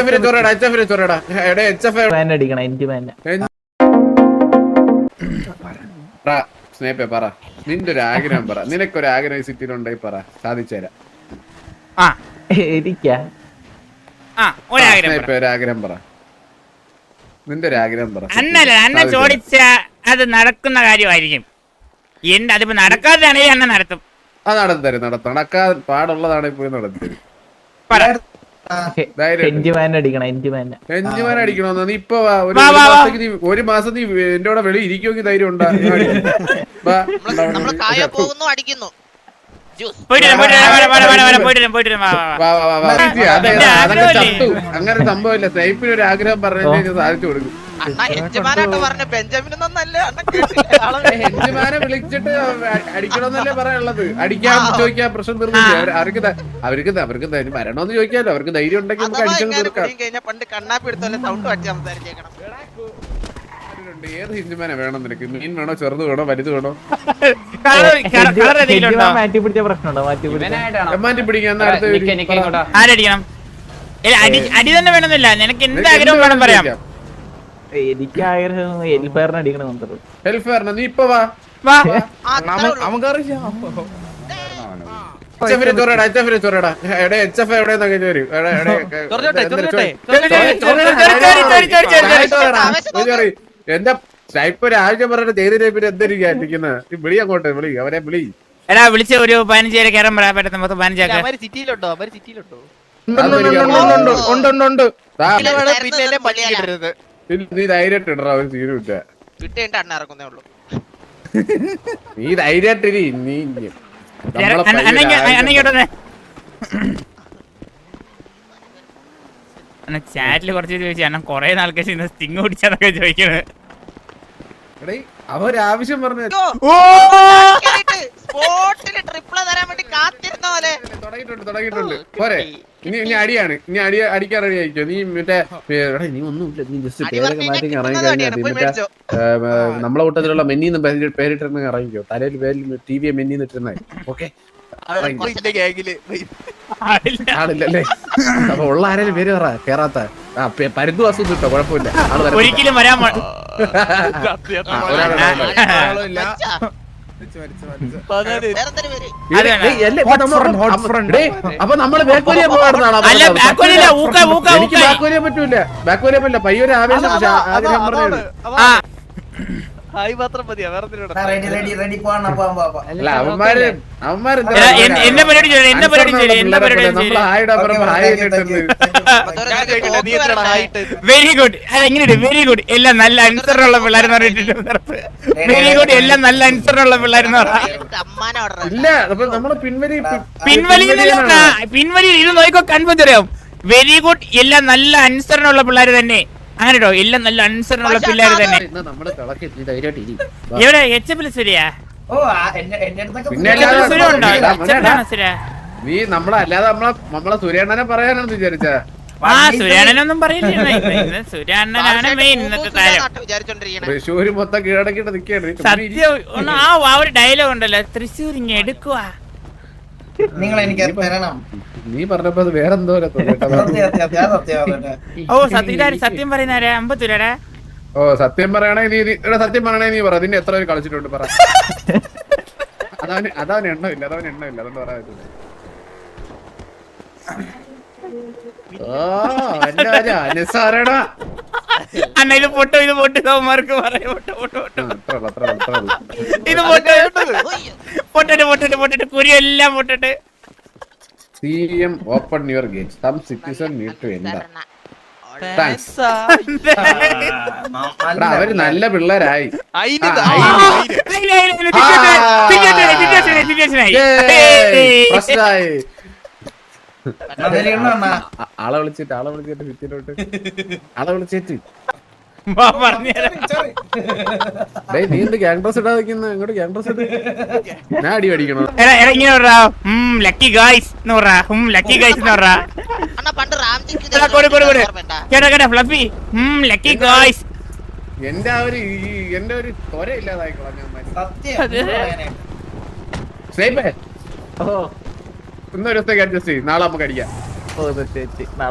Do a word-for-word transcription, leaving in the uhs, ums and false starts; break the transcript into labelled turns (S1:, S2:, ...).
S1: സ്നേപ്പേ പറ, നിന്റെ ഒരു ആഗ്രഹം പറ. നിനക്കൊരു ആഗ്രഹം സിറ്റിയിലുണ്ടായി പറ, സാധിച്ചു തരാം. ഒരാഗ്രഹം പറ, നിന്റെ ഒരു ആഗ്രഹം പറ.
S2: അന്നല്ല അന്ന ചോദിച്ച അത് നടക്കുന്ന കാര്യമായിരിക്കും. എന്റെ അതിപ്പോ നടക്കാതെയാണെങ്കിൽ അന്ന നടത്തും.
S1: അത് നടത്തി തരും, നടത്തും. നടക്കാൻ പാടുള്ളതാണ് പോയി നടത്തി തരും. അടിക്കണോന്ന് നീ ഇപ്പൊ ഒരു മാസം നീ എന്റെ കൂടെ വെളി ഇരിക്കുമെങ്കിൽ ധൈര്യം ഉണ്ടാ. അങ്ങനെ സംഭവമില്ല. സ്നൈപ്പിന് ഒരു ആഗ്രഹം പറഞ്ഞു സാധിച്ചു കൊടുക്കും. ഹെഞ്ചുമാനെ വിളിച്ചിട്ട് അടിക്കണമെന്നല്ലേ പറയാനുള്ളത്. അടിക്കാൻ ചോദിക്കാൻ പ്രശ്നം തീർന്നില്ല. അവർക്ക് അവർക്ക് അവർക്ക് മരണോന്ന് ചോദിക്കാലോ. അവർക്ക് ധൈര്യം ഉണ്ടെങ്കിൽ നമുക്ക് അടിച്ചു കൊടുക്കാം. ഏത് ഹിന്ദുമാനെ വേണം നിനക്ക്? മീൻ വേണോ, ചെറുത് വേണോ, വലുത് വേണോ? മാറ്റി പിടിക്കാൻ
S2: അടി തന്നെ വേണമെന്നില്ല. നിനക്ക് എന്ത് ആഗ്രഹം വേണം പറയാം.
S3: എനിക്ക് ആഗ്രഹം ഹെൽഫെയറിന് അടിക്കണം.
S1: ഹെൽഫെയറിന് നീ ഇപ്പൊ വാ. എന്റെ സ്നൈപ്പർ ആവശ്യം പറഞ്ഞിട്ട് ചെയ്തിട്ട് പിന്നെ എന്തിരിക്കുന്നത്? വിളി അങ്ങോട്ട്, വിളി അവരെ വിളി.
S2: എടാ വിളിച്ച ഒരു പതിനഞ്ച് പേരെ കയറാൻ പറയാൻ പറ്റുന്ന മൊത്തം പതിനഞ്ചാക്കാം.
S1: നീ ധൈര്യമായിട്ട് ഇടറാ, ഒരു സീനും ഇല്ല. നീ ധൈര്യമായിട്ടിരി. നീ
S2: ചാറ്റില് കുറച്ച് ചോദിച്ചു അണ്ണൻ കൊറേ നാൾക്ക് ശേഷം സ്റ്റിങ് പിടിച്ചാന്നൊക്കെ ചോദിക്കണത്.
S1: അവരാവശ്യം പറഞ്ഞു തുടങ്ങിയിട്ടുണ്ട് തുടങ്ങിയിട്ടുണ്ട് പോരെ. ഇനി ഇനി അടിയാണ്. ഇനി അടി അടിക്കാൻ റെഡി ആയിക്കോ. നീ മറ്റേ നീ ഒന്നുമില്ല, നീ ജസ്റ്റ് പേരൊക്കെ മാറ്റി ഇറങ്ങി കഴിഞ്ഞാൽ മറ്റേ നമ്മളെ കൂട്ടത്തിലുള്ള മെന്നീന്ന് പേരിട്ടിരുന്ന ഇറങ്ങിക്കോ. തലയിൽ പേരിൽ ടി വി മെന്നീന്ന് ഇട്ടിരുന്ന. ഓക്കെ ആളില്ലല്ലേ? അപ്പൊ ഉള്ള ആരെങ്കിലും പേര് പറ. കേറാത്ത പരുന്തു വാസു കിട്ടോ, കുഴപ്പമില്ല.
S2: ഒരിക്കലും വരാൻ
S1: അപ്പൊ നമ്മള് ബാക്കോലിയ പോകാറുണ്ടാണോ? എനിക്ക് ബാക്കോലിയ പറ്റൂല. ബാക്കോലിയ പറ്റില്ല. പയ്യൊരു ആവേശം ആഗ്രഹം പറഞ്ഞത്. അല്ല അവന്മാര് അവന്മാര്
S2: വെരി ഗുഡ്. എങ്ങനെയുണ്ട്? Very good. എല്ലാം നല്ല അനുസരണമുള്ള പിള്ളേരെന്ന് പറഞ്ഞിട്ടുണ്ട്. Very good. എല്ലാം നല്ല അനുസരണമുള്ള പിള്ളേരെന്ന് പറഞ്ഞാൽ
S1: ഇല്ല. അപ്പൊ നമ്മള് പിൻവലി
S2: പിൻവലി പിൻവലി ഇത് നോക്കോ, കൺഫ്യൂസ് അറിയാം. Very good. എല്ലാം നല്ല അനുസരണമുള്ള പിള്ളേര് തന്നെ. അങ്ങനെട്ടോ, എല്ലാം നല്ല അനുസരണമുള്ള പിള്ളേര് തന്നെ. എവിടെ എച്ച് എഫ് സുരിയാ?
S1: നീ നമ്മളെ അല്ലാതെ നമ്മളെ നമ്മളെ സുരേണ്ണനെ പറയാനാണെന്ന് വിചാരിച്ച?
S2: ആ സുരേണ്ണനൊന്നും പറയില്ല. സുരേണ്ണനാണ് മെയിൻ ഇന്നത്തെ താരം.
S1: തൃശ്ശൂര് മൊത്തം കീഴടക്കിട്ട് നിക്കാണ്.
S2: സത്യം. ആ ആ ഒരു ഡയലോഗ് ഉണ്ടല്ലോ, തൃശ്ശൂർ ഇങ്ങ എടുക്കുവാ.
S4: നിങ്ങൾ എനിക്ക് തരണം.
S1: നീ പറഞ്ഞപ്പോ അത് വേറെന്തോ.
S2: ഓ സത്യം സത്യം പറയുന്നാരാ? അമ്പത്തൂരാ?
S1: ഓ സത്യം പറയണേ നീ. സത്യം പറയണേ നീ പറ. നിന്നെ എത്ര പേര് കളിച്ചിട്ടുണ്ട് പറ. അതാണ് അതാണ് എണ്ണമില്ല. അതവന് എണ്ണമില്ല. അതുകൊണ്ട് പറയാൻ പറ്റില്ല.
S2: അണ്ണ ഇത് പൊട്ടോ, ഇത് പൊട്ട്. അവന്മാർക്ക് പറയാം പൊട്ടോ പൊട്ടോ പൊട്ടോ. ഇത് പൊട്ടോ പൊട്ടിട്ട് പൊട്ടിട്ട് പൊട്ടിട്ട് കുരിയെല്ലാം പൊട്ടിട്ട്.
S1: C M open your gates. Some citizen need to enter. Thanks. അവര് നല്ല പിള്ളേരായി. പ്രശ്നമായി. ആളെ വിളിച്ചിട്ട് ആളെ വിളിച്ചിട്ട് ഭിത്തിയിലോട്ട് ആളെ വിളിച്ചിട്ട് നീ എന്ത് ഗ്യാങ് ഡ്രസ് ഇടാ വെക്കുന്ന? ഇങ്ങോട്ട് ഗ്യാങ് ഡ്രസ് ഇട്ട് ഞാൻ അടി അടിക്കണോ?
S2: ലക്കി ഗായ്സ് എന്ന് പറ. ലക്കി ഗായ്സ് എന്ന് പറ. Fluffy lucky guys.
S1: എന്റെ ആ ഒരു എന്റെ ഒരു തൊര ഇല്ലാതായി കളഞ്ഞ. ഇന്നൊരു ദിവസത്തേക്ക് അഡ്ജസ്റ്റ് ചെയ്യും. നാളെ നമുക്ക് അടിക്കാം.